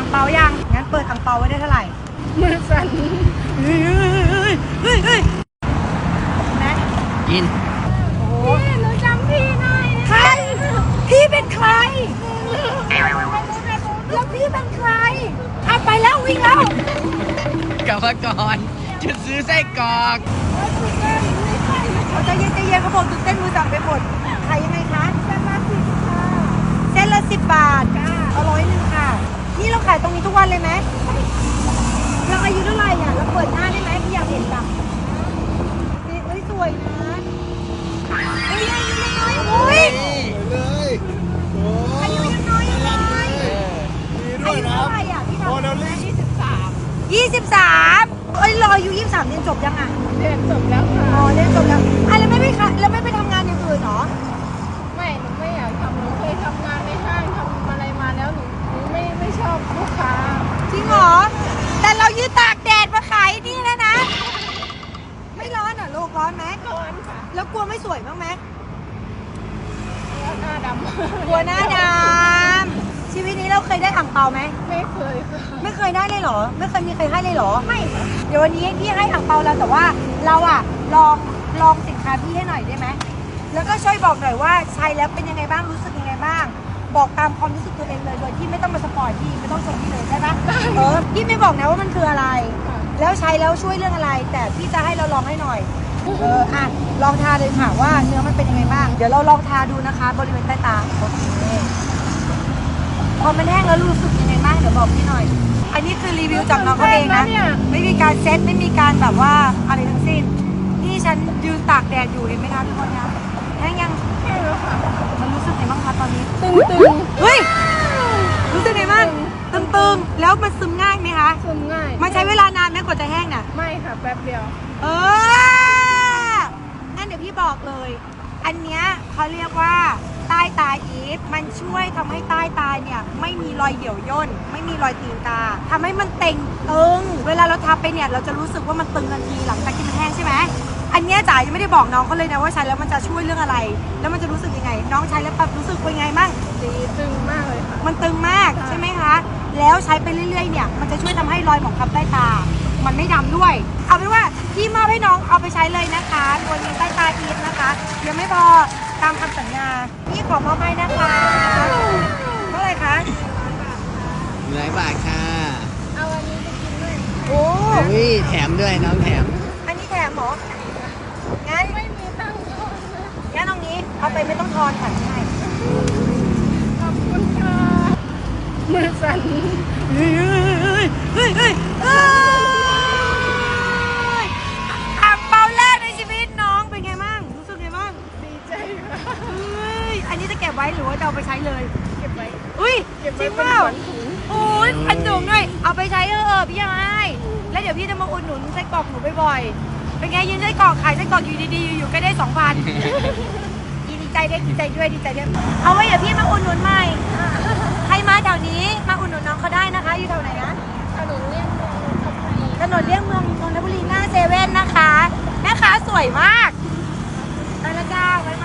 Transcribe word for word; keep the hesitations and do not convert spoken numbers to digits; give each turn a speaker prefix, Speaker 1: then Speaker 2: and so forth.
Speaker 1: งเปายังงั้นเปิดอ่างเปาไว้ได้เท่าไหร่
Speaker 2: มือสั่น
Speaker 1: เฮ้ยเฮ้ยเฮ้ยเฮ้ยนะ
Speaker 3: กิน
Speaker 1: โอ้โห
Speaker 2: พี่หนูจำพี่ได้
Speaker 1: ใครพี่เป็นใครแล้วพี่เป็นใครเอาไปแล้ววิ่งแล้ว
Speaker 3: กลับมาก่อนจะซื้อไส้กรอก
Speaker 1: เขาใจเย็นใจเย็นเขาบอกตื่นเต้นมือสั่นไปหมดขายยังไงคะเส้นละสิบค่ะเส้นละสิบบาทเอาร้อยหนึ่งค่ะนี่เราขายตรงนี้ทุกวันเลยไหมเราอายุเท่าไหร่อ่ะเราเปิดหน้าได้ไหมพี่อยากเห็นจังนี่เอ้ยสวยนะเฮ้ยอายุยังน้อยโอ้ย
Speaker 4: เลยโอ้
Speaker 1: อายุยังน้อยยังน้อย
Speaker 4: ดีด้
Speaker 1: อา
Speaker 4: วย
Speaker 1: ยุ
Speaker 4: นะ
Speaker 1: เท่าไหร่อ่ะพี่ทำ
Speaker 4: โมเดลลิ่ง
Speaker 2: ยี่สิบสาม
Speaker 1: ยี่สิบสามเอ้ยรออายุยี่สิบสามเรียนจบยังอ่ะ
Speaker 2: เรียนจบแล้วค่ะ
Speaker 1: อ๋อเรียนจบแล้วอ่ะแล้วไม่ไปค่ะแล้วไม่ไปทำงานอย่างอื่นเหรอ
Speaker 2: ไม่หนูไม่อยากทำหนูเคยทำงานในห้างทำอะไรมาแล้วหนูหนูไม่ไม่ชอบลูกค้า
Speaker 1: จริงเหรอแต่เรายืนตากแดดมาขายนี่แล้วนะไม่ร้อนเหรอลูกร้อนไหม
Speaker 2: ร้อนค่ะ
Speaker 1: แล้วกลัวไม่สวยบ้างไหม
Speaker 2: หน้าดำ
Speaker 1: กลัวหน้าดำชีวิตนี้เราเคยได้อ่างเปาไหม
Speaker 2: ไม่เคยค่ะ
Speaker 1: ไม่เคยได้เลยเหรอไม่เคยมีใครให้เลยเหรอไม่เดี๋ยววันนี้พี่ให้อ่างเปาเราแต่ว่าเราอะลองลองสินค้าพี่ให้หน่อยได้ไหมแล้วก็ช่วยบอกหน่อยว่าใช้แล้วเป็นยังไงบ้างรู้สึกยังไงบ้าง บอกตามความรู้สึกตัวเองเลยโดยที่ไม่ต้องมาสปอยพี่ไม่ต้องชมพี่เลยได้ปะเออพี่ไม่บอกนะว่ามันคืออะไร แล้วใช้แล้วช่วยเรื่องอะไร แต่พี่จะให้เราลองให้หน่อยเอออ่ะลองทาเลยค่ะว่าเนื้อมันเป็นยังไงบ้างเดี๋ยวเราลองทาดูนะคะ บริเวณใต้ตาโอเคพอมันแห้งแล้วรู้สึกยังไงบ้างเดี๋ยวบอกพี่หน่อย อันนี้คือรีวิวจากน้องเขาเองนะไม่มีการเซ็ตไม่มีการแบบว่าอะไรทั้งสิ้นนี่ฉันยืนตากแดดอยู่เห็นไหมคะทุกคนนะแห้งยัง
Speaker 2: แค่แล้วค่ะ
Speaker 1: มันรู้สึกไงบ้างคะตอนนี้
Speaker 2: ตึงตึง
Speaker 1: เฮ้ยรู้สึกไงบ้างตึงๆแล้วมันซึมง่ายไหมคะ
Speaker 2: ซึมง่าย
Speaker 1: มันใช้เวลานานไหมกว่าจะแห้งน่ะ
Speaker 2: ไม่ค่ะแป๊บเดียว
Speaker 1: เอองั้นเดี๋ยวพี่บอกเลย อันเนี้ยเขาเรียกว่าใต้ตาอีฟมันช่วยทำให้ใต้ตาเนี่ยไม่มีรอยเหี่ยวย่นไม่มีรอยตีนกาทำให้มันเต่งตึงเวลาเราทาไปเนี่ยเราจะรู้สึกว่ามันตึงทันทีหลังจากที่มันแห้งใช่ไหมอันเนี้ยจ๋ายังไม่ได้บอกน้องเขาเลยนะว่าใช้แล้วมันจะช่วยเรื่องอะไร แล้วมันจะรู้สึกยังไง น้องใช้แล้วแบบรู้สึกเป็นไงบ้าง
Speaker 2: ดีตึงมากเลยค่ะ
Speaker 1: มันตึงมากใช่ไหมคะแล้วใช้ไปเรื่อยๆเนี่ยมันจะช่วยทำให้รอยหมองคล้ำใต้ตามันไม่ดำด้วยเอาเป็นว่าพี่มอบให้น้องเอาไปใช้เลยนะคะตัวนี้ใต้ตาอีฟนะคะยังไม่พอตามคำสัญญาพี่ขอมอบให้นะคะเท่าไหร่คะ
Speaker 3: หลายบาทค่ะ
Speaker 2: เอาอันนี้ไปกินด้วย
Speaker 1: โอ้
Speaker 3: อุ้ยแถมด้วยน้องแถม
Speaker 1: อันนี้แถมเหรองั้น
Speaker 2: ไม่มีตังค์ทอนนะ
Speaker 1: งั้นตรงนี้เอาไปไม่ต้องทอนค่ะใช่
Speaker 2: ขอบคุณค่ะมือสั่น
Speaker 1: เฮ้ยเฮ้ยเฮ้ยเฮ้ยเฮ้ยอ่างเปาแรกในชีวิตน้องเป็นไงบ้างรู้สึกไงบ้าง
Speaker 2: ดีใจค่ะ
Speaker 1: เฮ้ย อันนี้จะเก็บไว้หรือว่าจะเอาไปใช้เลย
Speaker 2: เก็บไว้
Speaker 1: อุ้ย
Speaker 2: เก็บ
Speaker 1: จ
Speaker 2: ไว้
Speaker 1: ริง
Speaker 2: เป็
Speaker 1: เป
Speaker 2: น
Speaker 1: ล่า
Speaker 2: ขวัญถุง
Speaker 1: โอ้ยพันถุงด้วย เอาไปใช้เออพี่ยายแล้วเดี๋ยวพี่จะมาอุดหนุนไส้กรอกหนูบ่อยๆ เป็นไงยืนไส้กรอกขายไส้กรอกอยู่ดีๆ อยู่ๆก็ได้สองพันดีใจด้วยดีใจด้วยดีใจด้วย เอาไว้เดี๋ยวพี่มาอุดหนุนใหม่ ใครมาแถวนี้มาอุดหนุนน้องเขาได้นะคะ อยู่แถวไหนนะ
Speaker 2: ถนนเลี่ยงเมืองนนทบุรี
Speaker 1: ถนนเลี่ยงเมืองนนทบุรีหน้าเซเว่นนะคะแม่ค้าสวยมากไปละจ้าไว้มา